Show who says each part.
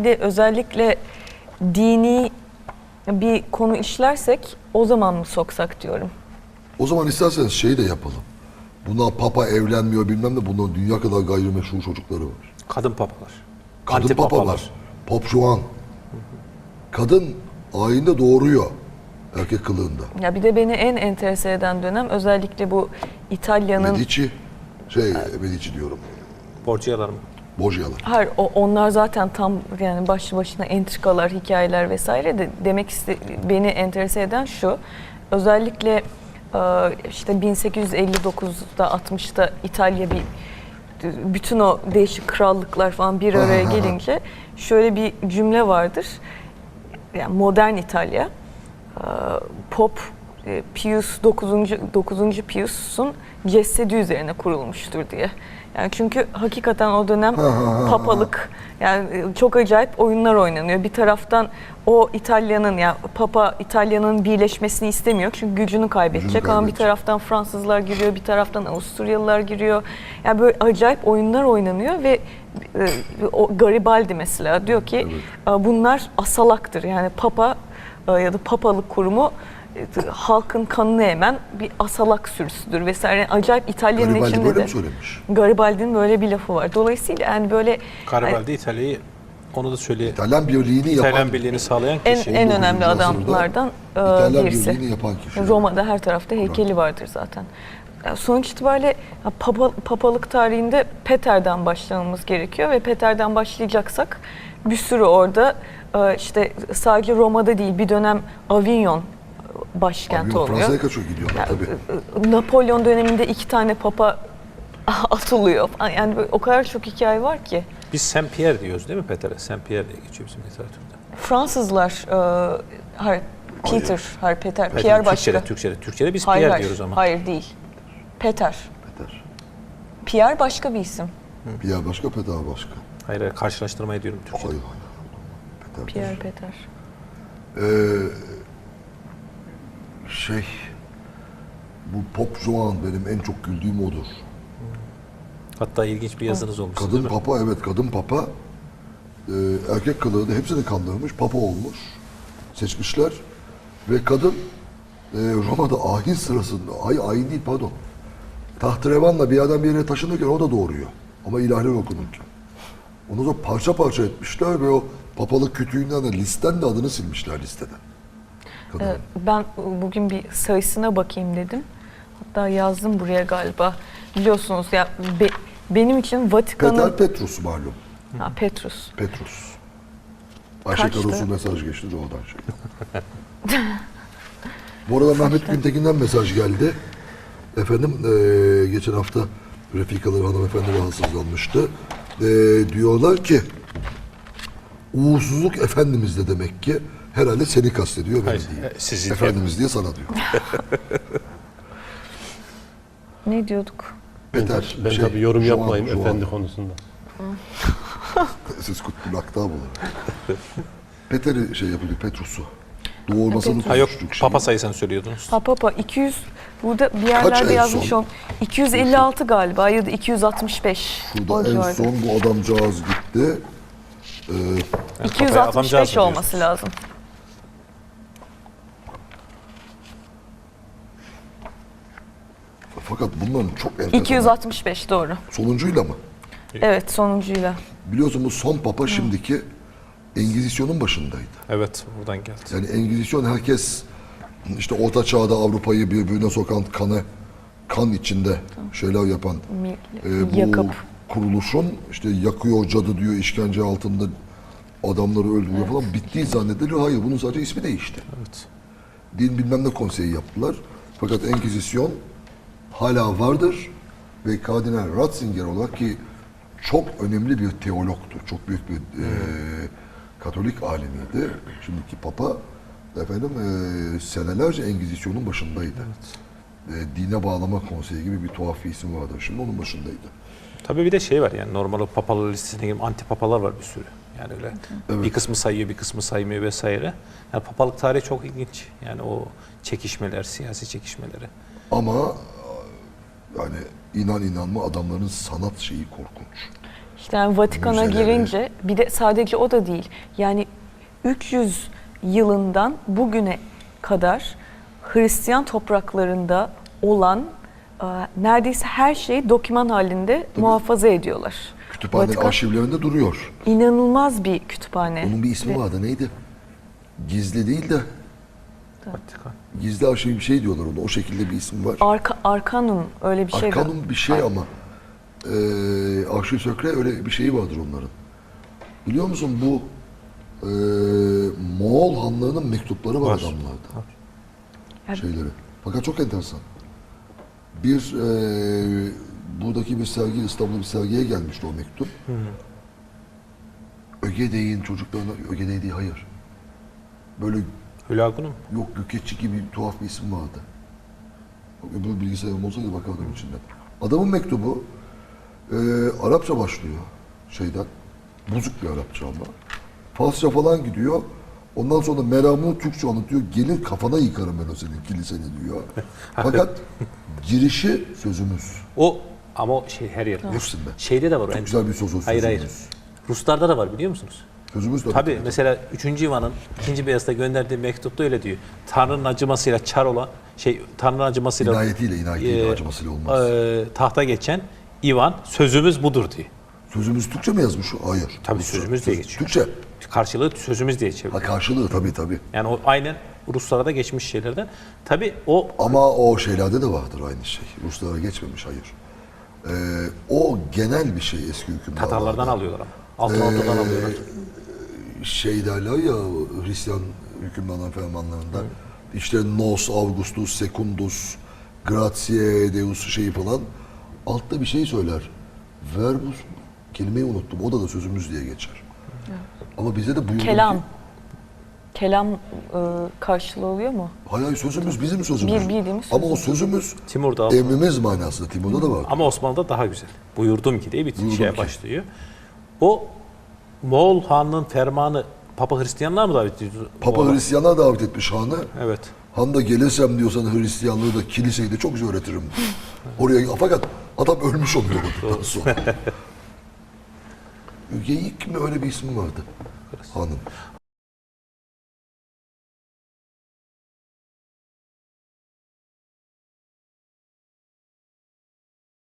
Speaker 1: de özellikle dini bir konu işlersek o zaman mı soksak diyorum.
Speaker 2: O zaman isterseniz şeyi de yapalım. Buna papa evlenmiyor bilmem ne, bunların dünya kadar gayrimeşru çocukları var.
Speaker 3: Kadın papalar.
Speaker 2: Kadın
Speaker 3: Anti
Speaker 2: papa
Speaker 3: papalar.
Speaker 2: var. Pop Juan. Kadın ayinde doğuruyor erkek kılığında.
Speaker 1: Ya bir de beni en enterese eden dönem özellikle bu İtalya'nın...
Speaker 2: Medici diyorum.
Speaker 3: Borgia'lar mı?
Speaker 2: Borgia'lar.
Speaker 1: Hayır, onlar zaten tam yani başlı başına entrikalar, hikayeler vesaire de beni enterese eden şu. Özellikle işte 1859'da 60'ta İtalya bütün o değişik krallıklar falan bir araya gelince şöyle bir cümle vardır. Yani modern İtalya, Pop Pius 9. Pius'un cesedi üzerine kurulmuştur diye. Yani çünkü hakikaten o dönem papalık, yani çok acayip oyunlar oynanıyor. Bir taraftan o İtalya'nın, yani Papa İtalya'nın birleşmesini istemiyor çünkü gücünü kaybedecek. Ama bir taraftan Fransızlar giriyor, bir taraftan Avusturyalılar giriyor. Yani böyle acayip oyunlar oynanıyor ve o Garibaldi mesela diyor ki bunlar asalaktır. Yani Papa ya da papalık kurumu halkın kanını emen bir asalak sürüsüdür vesaire. Yani acayip İtalya'nın
Speaker 2: Garibaldi
Speaker 1: içinde
Speaker 2: böyle
Speaker 1: de.
Speaker 2: mi söylemiş?
Speaker 1: Garibaldi'nin böyle bir lafı var. Dolayısıyla yani böyle
Speaker 3: Garibaldi İtalya'yı, onu da söyleyeyim.
Speaker 2: İtalyan birliğini yapan,
Speaker 3: İtalyan birliğini sağlayan kişi.
Speaker 1: en önemli
Speaker 2: 19.
Speaker 1: adamlardan
Speaker 2: İtalyan
Speaker 1: birisi.
Speaker 2: birliğini yapan kişi.
Speaker 1: Roma'da her tarafta heykeli vardır zaten. Yani sonuç itibariyle papalık tarihinde Peter'den başlamamız gerekiyor ve Peter'den başlayacaksak bir sürü orada işte sadece Roma'da değil bir dönem Avignon başkent oluyor.
Speaker 2: Fransa'ya kaçıyor gidiyorlar tabii.
Speaker 1: Napolyon döneminde 2 tane papa atılıyor. Yani böyle o kadar çok hikaye var ki.
Speaker 3: Biz Saint Pierre diyoruz değil mi Peter'e? Saint Pierre diye geçiyor bizim literatürde.
Speaker 1: Fransızlar Peter, Pierre başka.
Speaker 3: Türkçe'de biz Pierre diyoruz ama.
Speaker 1: Hayır değil. Peter.
Speaker 2: Peter.
Speaker 1: Pierre başka bir isim.
Speaker 2: Pierre başka, Peter başka.
Speaker 3: Hayır, karşılaştırma ediyorum Türkçe'de.
Speaker 2: Hayır. Peter.
Speaker 1: Peter.
Speaker 2: Bu Pop Juan benim en çok güldüğüm odur.
Speaker 3: Hatta ilginç bir yazınız olmuş.
Speaker 2: Kadın papa, evet kadın papa. Erkek kılığı da hepsini kandırmış, papa olmuş. Seçmişler. Ve kadın Roma'da ayin sırasında, ayin değil pardon. Tahterevanla bir yerden bir yere taşınırken o da doğuruyor. Ama ilahiler okunurken. Onu da parça parça etmişler ve o papalık kütüğünden de listen de adını silmişler listeden.
Speaker 1: Ben bugün bir sayısına bakayım dedim. Hatta yazdım buraya galiba. Biliyorsunuz ya benim için Vatikan'ın...
Speaker 2: Petrus malum.
Speaker 1: Petrus.
Speaker 2: Ayşe Karos'un mesaj geçti de oradan şey. Bu arada Mehmet Güntekin'den mesaj geldi. Efendim geçen hafta Refikaları hanımefendi rahatsızlanmıştı. Diyorlar ki uğursuzluk Efendimiz'de demek ki herhalde seni kastediyor beni değil. Efendimiz diye sana diyor.
Speaker 1: Ne diyorduk?
Speaker 2: Peter,
Speaker 4: ben tabii yorum yapmayayım
Speaker 2: Juan.
Speaker 4: efendi konusunda.
Speaker 2: Siz kutlu lakta bulun. Peter'i şey yapıyor, Petrus'u. Doğurmasını
Speaker 3: Ha yok,
Speaker 2: konuştuk
Speaker 3: papa sayısını söylüyordunuz.
Speaker 1: Papa 200, burada bir yerlerde
Speaker 2: en
Speaker 1: yazmış
Speaker 2: son?
Speaker 1: 256 galiba ya da 265.
Speaker 2: Şurada en son bu adamcağız gitti.
Speaker 1: 265 olması lazım.
Speaker 2: Fakat bunların çok enteresan.
Speaker 1: 265 doğru.
Speaker 2: Sonuncuyla mı?
Speaker 1: Evet, sonuncuyla.
Speaker 2: Biliyorsun bu son papa şimdiki Engizisyon'un başındaydı.
Speaker 3: Evet, buradan geldi.
Speaker 2: Yani Engizisyon herkes işte Orta Çağ'da Avrupa'yı birbirine sokan kan içinde şeyler yapan bu
Speaker 1: Yakıp.
Speaker 2: kuruluşun işte yakıyor cadı diyor, işkence altında adamları öldürüyor falan bittiği zannediliyor. Hayır, bunun sadece ismi değişti.
Speaker 3: Evet.
Speaker 2: Din bilmem ne konseyi yaptılar. Fakat Engizisyon hala vardır ve Kardinal Ratzinger olarak ki çok önemli bir teologtu. Çok büyük bir Katolik alimiydi. Şimdiki Papa senelerce Engizisyon'un başındaydı. Evet. Dine bağlama konseyi gibi bir tuhaf bir isim vardı. Şimdi onun başındaydı.
Speaker 3: Tabii bir de şey var yani normal o papalar listesine gibi anti papalar var bir sürü. Yani öyle bir kısmı sayıyor, bir kısmı saymıyor vesaire. Yani papalık tarihi çok ilginç. Yani o çekişmeler, siyasi çekişmeleri.
Speaker 2: Ama yani inan inanma adamların sanat şeyi korkunç.
Speaker 1: İşte yani Vatikan'a
Speaker 2: Müzeleri.
Speaker 1: girince bir de sadece o da değil. Yani 300 yılından bugüne kadar Hristiyan topraklarında olan neredeyse her şeyi doküman halinde muhafaza ediyorlar.
Speaker 2: Kütüphane
Speaker 1: Vatikan
Speaker 2: arşivlerinde duruyor.
Speaker 1: inanılmaz bir kütüphane.
Speaker 2: Onun bir ismi vardı, neydi? Gizli değil de
Speaker 3: Vatikan.
Speaker 2: gizli arşiv bir şey diyorlar ona. O şekilde bir ismi var.
Speaker 1: Arkanum öyle bir şey.
Speaker 2: Arkanum bir şey ama arşiv sökre öyle bir şeyi vardır onların. Biliyor musun bu Moğol hanlarının mektupları var
Speaker 3: Var.
Speaker 2: adamlarda.
Speaker 1: Yani-
Speaker 2: Şeyleri. Fakat çok enteresan. Bir buradaki bir sergi, İstanbul'da bir sergiye gelmişti o mektup. Ögedey'in çocuklarına, Ögedey değil, hayır. Böyle
Speaker 3: Hülagunum.
Speaker 2: yok Gökçe gibi bir tuhaf bir isim vardı. Öbür bilgisayarım olsaydı bakardım içinden. Adamın mektubu Arapça başlıyor şeyden. Bozuk bir Arapça ama. Farsça falan gidiyor. Ondan sonra meramını Türkçe anlatıyor. Gelin kafana yıkarım ben o senin kiliseni diyor. Fakat girişi sözümüz.
Speaker 3: O ama o şey her yer.
Speaker 2: Hepsinde.
Speaker 3: Şeyde de var o.
Speaker 2: Çok güzel bir söz.
Speaker 3: Hayır hayır.
Speaker 2: Sözümüz.
Speaker 3: Ruslarda da var biliyor musunuz?
Speaker 2: Sözümüz de
Speaker 3: Tabii mesela 3. Ivan'ın 2. Beyazıt'a gönderdiği mektupta öyle diyor. Tanrı'nın acımasıyla çar olan Tanrı'nın acımasıyla
Speaker 2: İnayetiyle acımasıyla olmaz.
Speaker 3: tahta geçen Ivan sözümüz budur diyor.
Speaker 2: Sözümüz Türkçe mi yazmış o? Hayır.
Speaker 3: Tabii
Speaker 2: Rusça.
Speaker 3: sözümüz diye geçiyor.
Speaker 2: Türkçe.
Speaker 3: Karşılığı sözümüz diye
Speaker 2: Ha,
Speaker 3: çeviriyor.
Speaker 2: karşılığı tabii.
Speaker 3: Yani o aynen Ruslara da geçmiş şeylerden. Tabii o
Speaker 2: Ama o şeylerde de vardır aynı şey. Ruslara geçmemiş, hayır. O genel bir şey eski hükümdarlarda.
Speaker 3: Tatarlardan alıyorlar ama. Altın Ordu'dan alıyorlar.
Speaker 2: Şey derler ya Hristiyan hükümdarların fermanlarında. İşte Nos Augustus Secundus Gratiae Deus şeyi falan. Altta bir şey söyler. Verbus kelimeyi unuttum. O da sözümüz diye geçer. Ama bize de buyurdu
Speaker 1: Kelam.
Speaker 2: ki,
Speaker 1: Kelam karşılığı oluyor mu?
Speaker 2: hayır sözümüz bizim sözümüz.
Speaker 1: Bildiğimiz
Speaker 2: Ama o
Speaker 1: sözümüz.
Speaker 2: sözümüz
Speaker 3: Timur'da aldı.
Speaker 2: emrimiz manasında. Timur'da da var.
Speaker 3: Ama Osmanlı'da daha güzel. Buyurdum ki diye bir
Speaker 2: Buyurdum
Speaker 3: şeye
Speaker 2: ki.
Speaker 3: başlıyor. O Moğol Han'ın fermanı Papa Hristiyanlar mı davet ediyor?
Speaker 2: Papa
Speaker 3: Moğol'a?
Speaker 2: Hristiyanlar davet etmiş hanı.
Speaker 3: Evet.
Speaker 2: Han da gelirsem diyorsan Hristiyanlığı da kiliseyi de çok güzel öğretirim. Oraya fakat adam ölmüş oluyor olduktan sonra. Ügeyik mi öyle bir ismi vardı hanın.